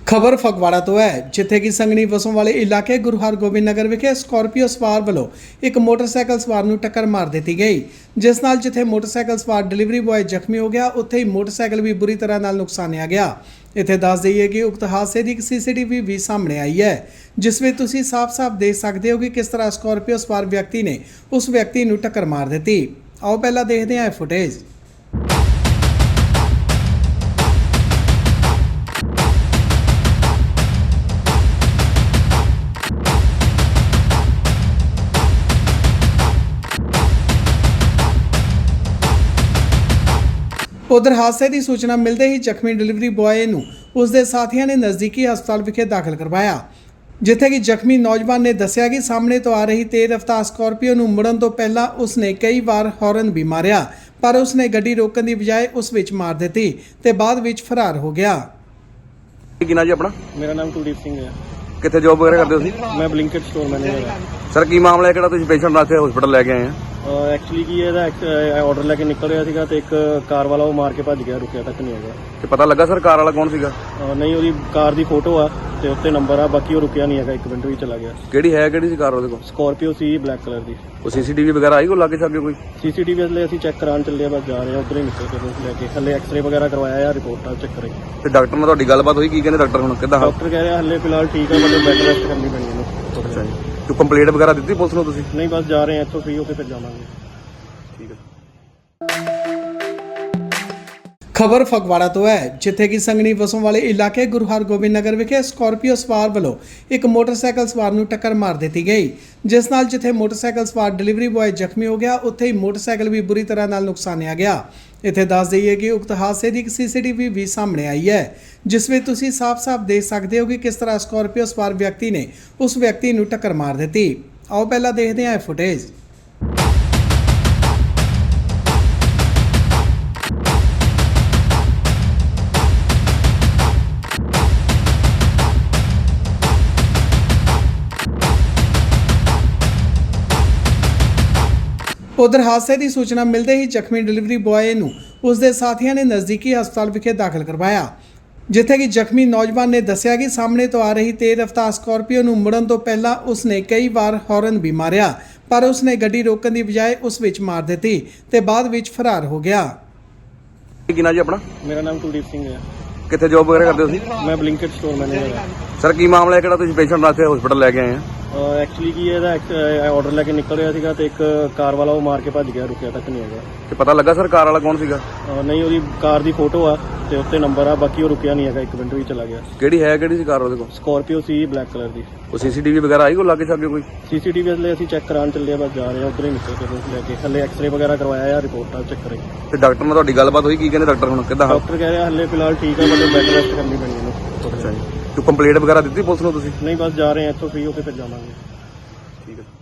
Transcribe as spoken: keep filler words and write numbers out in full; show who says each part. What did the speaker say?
Speaker 1: ਖਬਰ ਫਗਵਾੜਾ ਤੋਂ ਹੈ, ਜਿੱਥੇ ਕਿ ਸੰਗਣੀ ਵਸੋਂ ਵਾਲੇ ਇਲਾਕੇ ਗੁਰੂ ਹਰਗੋਬਿੰਦ ਨਗਰ ਵਿਖੇ ਸਕਾਰਪੀਓ ਸਵਾਰ ਵੱਲੋਂ ਇੱਕ ਮੋਟਰਸਾਈਕਲ ਸਵਾਰ ਨੂੰ ਟੱਕਰ ਮਾਰ ਦਿੱਤੀ ਗਈ, ਜਿਸ ਨਾਲ ਜਿੱਥੇ ਮੋਟਰਸਾਈਕਲ ਸਵਾਰ ਡਿਲੀਵਰੀ ਬॉय ਜ਼ਖਮੀ ਹੋ ਗਿਆ, ਉੱਥੇ ਹੀ ਮੋਟਰਸਾਈਕਲ ਵੀ ਬੁਰੀ ਤਰ੍ਹਾਂ ਨਾਲ ਨੁਕਸਾਨਿਆ ਗਿਆ। ਇੱਥੇ ਦੱਸ ਦਈਏ ਕਿ ਉਕਤ ਹਾਦਸੇ ਦੀ ਇੱਕ ਸੀਸੀਟੀਵੀ ਵੀ ਸਾਹਮਣੇ ਆਈ ਹੈ, ਜਿਸ ਵਿੱਚ ਤੁਸੀਂ ਸਾਫ਼-ਸਾਫ਼ ਦੇਖ ਸਕਦੇ ਹੋ ਕਿ ਕਿਸ ਤਰ੍ਹਾਂ ਸਕਾਰਪੀਓ ਸਵਾਰ ਵਿਅਕਤੀ ਨੇ ਉਸ ਵਿਅਕਤੀ ਨੂੰ ਟੱਕਰ ਮਾਰ ਦਿੱਤੀ। ਆਓ ਪਹਿਲਾਂ ਦੇਖਦੇ ਹਾਂ ਇਹ ਫੁਟੇਜ। उधर हादसे की सूचना मिलते ही जख्मी डिलीवरी बॉय ਨੂੰ उसके साथियों ने नज़दीकी हस्पताल विखे दाखिल करवाया, जिथे कि जख्मी नौजवान ने दस्सिया कि सामने तो आ रही तेज रफ्तार स्कॉर्पियो ਨੂੰ मुड़न तो पहला उसने कई बार हॉर्न भी मारिया, पर उसने गड्डी रोकने की बजाय उस विच मार दी ते बाद विच फरार हो गया।
Speaker 2: ਕੀ ਨਾਂ ਜੀ ਆਪਣਾ?
Speaker 3: मेरा नाम कुलदीप सिंह है।
Speaker 2: ਕਿੱਥੇ ਜੌਬ ਵਗੈਰਾ ਕਰਦੇ ਹੋ ਤੁਸੀਂ?
Speaker 3: मैं ब्लिंकिट स्टोर मैनेजर हाँ।
Speaker 2: ਸਰ ਕੀ ਮਾਮਲਾ ਹੈ, ਕਿਹੜਾ ਤੁਸੀਂ ਪੇਸ਼ੈਂਟ ਨਾਲ ਇੱਥੇ ਹਸਪੀਟਲ ਲੈ ਕੇ ਆਏ ਆ?
Speaker 3: ਐਕਚੁਅਲੀ ਕੀ ਇਹਦਾ ਆਰਡਰ ਲੈ ਕੇ ਨਿਕਲ ਰਿਹਾ ਸੀਗਾ ਤੇ ਇੱਕ ਕਾਰ ਵਾਲਾ ਉਹ ਮਾਰ ਕੇ ਭੱਜ ਗਿਆ, ਰੁਕਿਆ ਤੱਕ ਨਹੀਂ ਹੈਗਾ।
Speaker 2: ਤੇ ਪਤਾ ਲੱਗਾ ਸਰ ਕਾਰ ਵਾਲਾ ਕੌਣ ਸੀਗਾ?
Speaker 3: ਅਹ ਨਹੀਂ, ਉਹਦੀ ਕਾਰ ਦੀ ਫੋਟੋ ਆ ਤੇ ਉੱਤੇ ਨੰਬਰ ਆ, ਬਾਕੀ ਉਹ ਰੁਕਿਆ ਨਹੀਂ ਹੈਗਾ, ਇੱਕ ਮਿੰਟ ਵੀ ਚਲਾ ਗਿਆ।
Speaker 2: ਕਿਹੜੀ ਹੈ, ਕਿਹੜੀ ਸੀ ਕਾਰ ਉਹਦੇ ਕੋਲ?
Speaker 3: ਸਕਾਰਪੀਓ ਸੀ ਬਲੈਕ ਕਲਰ ਦੀ।
Speaker 2: ਉਹ ਸੀਸੀਟੀਵੀ ਵਗੈਰਾ ਆਈ ਕੋ ਲਾਗੇ ਛਾਗੇ ਕੋਈ?
Speaker 3: ਸੀਸੀਟੀਵੀ ਲਈ ਅਸੀਂ ਚੈੱਕ ਕਰਾਉਣ ਚੱਲੇ ਆ, ਬਸ ਜਾ ਰਹੇ ਆ ਉਧਰ ਹੀ ਨਿਕਲ ਕੇ ਬਸ ਲੈ ਕੇ। ਹਲੇ ਐਕਸ-ਰੇ ਵਗੈਰਾ ਕਰਵਾਇਆ ਆ, ਰਿਪੋਰਟਾਂ ਚੈੱਕ ਕਰਾਈ।
Speaker 2: ਤੇ ਡਾਕਟਰ ਨਾਲ ਤੁਹਾਡੀ ਗੱਲਬਾਤ ਹੋਈ? ਕੀ ਕਹਿੰਦੇ ਡਾਕਟਰ ਹੁਣ ਕਿੱਦਾਂ?
Speaker 3: ਡਾਕਟਰ ਕਹਿ ਰਿਹਾ ਹਲੇ ਫਿਲਹਾਲ ਠੀਕ ਆ, ਮਤਲਬ ਬੈੱਡ ਰੈਸਟ ਕਰਨੀ ਪੈਣੀ ਇਹਨੂੰ।
Speaker 2: ਅੱਛਾ ਜੀ, ਤੂੰ ਕੰਪਲੇਂਟ ਵਗੈਰਾ ਦਿੱਤੀ ਪੁਲਿਸ ਨੂੰ ਤੁਸੀਂ?
Speaker 3: ਨਹੀਂ, ਬਸ ਜਾ ਰਹੇ ਆ, ਇੱਥੋਂ ਫ੍ਰੀ ਹੋ ਕੇ ਫਿਰ ਜਾਵਾਂਗੇ।
Speaker 2: ਠੀਕ ਹੈ।
Speaker 1: ਖਬਰ ਫਗਵਾੜਾ ਤੋਂ ਹੈ, ਜਿੱਥੇ ਕਿ ਸੰਗਣੀ ਵਸੋਂ ਵਾਲੇ ਇਲਾਕੇ ਗੁਰੂ ਹਰਗੋਬਿੰਦ ਨਗਰ ਵਿਖੇ ਸਕਾਰਪੀਓ ਸਵਾਰ ਵੱਲੋਂ ਇੱਕ ਮੋਟਰਸਾਈਕਲ ਸਵਾਰ ਨੂੰ ਟੱਕਰ ਮਾਰ ਦਿੱਤੀ ਗਈ, ਜਿਸ ਨਾਲ ਜਿੱਥੇ ਮੋਟਰਸਾਈਕਲ ਸਵਾਰ ਡਿਲੀਵਰੀ ਬॉय ਜ਼ਖਮੀ ਹੋ ਗਿਆ, ਉੱਥੇ ਹੀ ਮੋਟਰਸਾਈਕਲ ਵੀ ਬੁਰੀ ਤਰ੍ਹਾਂ ਨਾਲ ਨੁਕਸਾਨਿਆ ਗਿਆ। ਇੱਥੇ ਦੱਸ ਦਈਏ ਕਿ ਉਕਤ ਹਾਦਸੇ ਦੀ ਇੱਕ ਸੀਸੀਟੀਵੀ ਵੀ ਸਾਹਮਣੇ ਆਈ ਹੈ, ਜਿਸ ਵਿੱਚ ਤੁਸੀਂ ਸਾਫ਼-ਸਾਫ਼ ਦੇਖ ਸਕਦੇ ਹੋ ਕਿ ਕਿਸ ਤਰ੍ਹਾਂ ਸਕਾਰਪੀਓ ਸਵਾਰ ਵਿਅਕਤੀ ਨੇ ਉਸ ਵਿਅਕਤੀ ਨੂੰ ਟੱਕਰ ਮਾਰ ਦਿੱਤੀ। ਆਓ ਪਹਿਲਾਂ ਦੇਖਦੇ ਹਾਂ ਇਹ ਫੁਟੇਜ। उधर हादसे की सूचना मिलते ही जख्मी डिलीवरी बॉय ਨੂੰ उसके साथियों ने नज़दीकी हस्पताल विखे दाखिल करवाया, जिथे कि जख्मी नौजवान ने दस्सिया कि सामने तो आ रही तेज रफ्तार स्कॉर्पियो ਨੂੰ मुड़न तो पहला उसने कई बार हॉर्न भी मारिया, पर उसने गड्डी रोकने की बजाय उस विच मार दी ते बाद विच फरार हो गया।
Speaker 2: ਕੀ ਨਾਂ ਜੀ ਆਪਣਾ?
Speaker 3: ਮੇਰਾ ਨਾਮ ਕੁਲਦੀਪ ਸਿੰਘ ਹੈ।
Speaker 2: ਕਿੱਥੇ ਜੌਬ ਵਗੈਰਾ ਕਰਦੇ ਹੋ ਤੁਸੀਂ?
Speaker 3: ਮੈਂ ਬਲਿੰਕਿਟ ਸਟੋਰ ਮੈਨੇਜਰ ਹਾਂ।
Speaker 2: ਸਰ ਕੀ ਮਾਮਲਾ ਹੈ, ਕਿਹੜਾ ਤੁਸੀਂ ਪੇਸ਼ੈਂਟ ਨਾਲ ਇੱਥੇ ਹਸਪੀਟਲ ਲੈ ਕੇ ਆਏ ਆ?
Speaker 3: ਐਕਚੁਅਲੀ ਕੀ ਇਹਦਾ ਆਰਡਰ ਲੈ ਕੇ ਨਿਕਲ ਰਿਹਾ ਸੀਗਾ ਤੇ ਇੱਕ ਕਾਰ ਵਾਲਾ ਉਹ ਮਾਰ ਕੇ ਭੱਜ ਗਿਆ, ਰੁਕਿਆ ਤੱਕ ਨਹੀਂ ਹੈਗਾ।
Speaker 2: ਤੇ ਪਤਾ ਲੱਗਾ ਸਰ ਕਾਰ ਵਾਲਾ ਕੌਣ ਸੀਗਾ?
Speaker 3: ਅਹ ਨਹੀਂ, ਉਹਦੀ ਕਾਰ ਦੀ ਫੋਟੋ ਆ ਤੇ ਉੱਤੇ ਨੰਬਰ ਆ, ਬਾਕੀ ਉਹ ਰੁਕਿਆ ਨਹੀਂ ਹੈਗਾ, ਇੱਕ ਮਿੰਟ ਵੀ ਚਲਾ ਗਿਆ।
Speaker 2: ਕਿਹੜੀ ਹੈ, ਕਿਹੜੀ ਸੀ ਕਾਰ ਉਹਦੇ ਕੋਲ?
Speaker 3: ਸਕਾਰਪੀਓ ਸੀ ਬਲੈਕ ਕਲਰ ਦੀ।
Speaker 2: ਉਹ ਸੀਸੀਟੀਵੀ ਵਗੈਰਾ ਆਈ ਕੋ ਲਾਗੇ ਛਾਗੇ ਕੋਈ?
Speaker 3: ਸੀਸੀਟੀਵੀ ਲਈ ਅਸੀਂ ਚੈੱਕ ਕਰਾਉਣ ਚੱਲੇ ਆ, ਬਸ ਜਾ ਰਹੇ ਆ ਉਧਰ ਹੀ ਨਿਕਲ ਕੇ ਬਸ ਲੈ ਕੇ। ਹਲੇ ਐਕਸ-ਰੇ ਵਗੈਰਾ ਕਰਵਾਇਆ ਆ, ਰਿਪੋਰਟਾਂ ਚੈੱਕ ਕਰਾਈ।
Speaker 2: ਤੇ ਡਾਕਟਰ ਨਾਲ ਤੁਹਾਡੀ ਗੱਲਬਾਤ ਹੋਈ? ਕੀ ਕਹਿੰਦੇ ਡਾਕਟਰ ਹੁਣ ਕਿੱਦਾਂ?
Speaker 3: ਡਾਕਟਰ ਕਹਿ ਰਿਹਾ ਹਲੇ ਫਿਲਹਾਲ ਠੀਕ ਆ, ਮਤਲਬ ਬੈੱਡ ਰੈਸਟ ਕਰਨੀ ਪੈਣੀ ਇਹਨੂੰ।
Speaker 2: ਅੱਛਾ ਜੀ, ਤੂੰ ਕੰਪਲੇਂਟ ਵਗੈਰਾ ਦਿੱਤੀ ਪੁਲਿਸ ਨੂੰ ਤੁਸੀਂ?
Speaker 3: ਨਹੀਂ, ਬਸ ਜਾ ਰਹੇ ਆ, ਇੱਥੋਂ ਫ੍ਰੀ ਹੋ ਕੇ ਫਿਰ ਜਾਵਾਂਗੇ।
Speaker 2: ਠੀਕ ਹੈ।